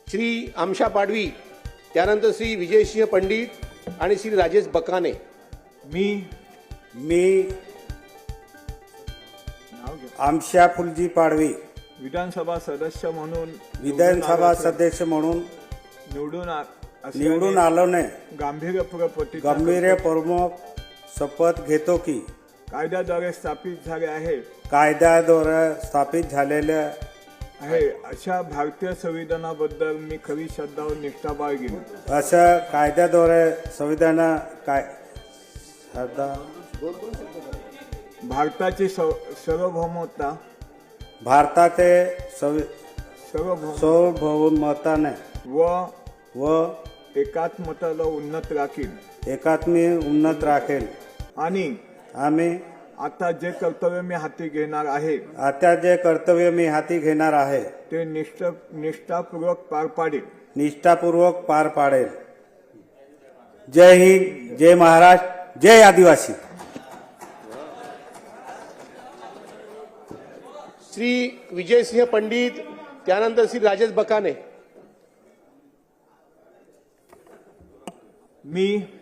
श्री आमशा पाडवी, त्यानंतर श्री विजयसिंह पंडित आणि श्री राजेश बकाने। मी आमशा फुलजी पाडवी विधानसभा सदस्य म्हणून विधानसभा सदस्य म्हणून निवडून आलोने गंभीरपूर्वक शपथ घेतो की कायद्याद्वारे स्थापित झाले आहे कायद्याद्वारे स्थापित झालेल्या आहे अशा भारतीय संविधानाबद्दल मी खरी श्रद्धा व निष्ठा बाळगीन। असं कायद्याद्वारे संविधान काय भारताची सार्वभौमता भारताचे सार्वभौमताने व एकात्मताला उन्नत राखीन एकात्मी उन्नत राखेल आणि आम्ही आता जे कर्तव्य मी हाती घेणार आहे ते निष्ठापूर्वक पार पाडेल। जय हिंद, जय महाराष्ट्र, जय आदिवासी। श्री विजयसिंह पंडित, त्यानंतर श्री राजेश बकाने। मी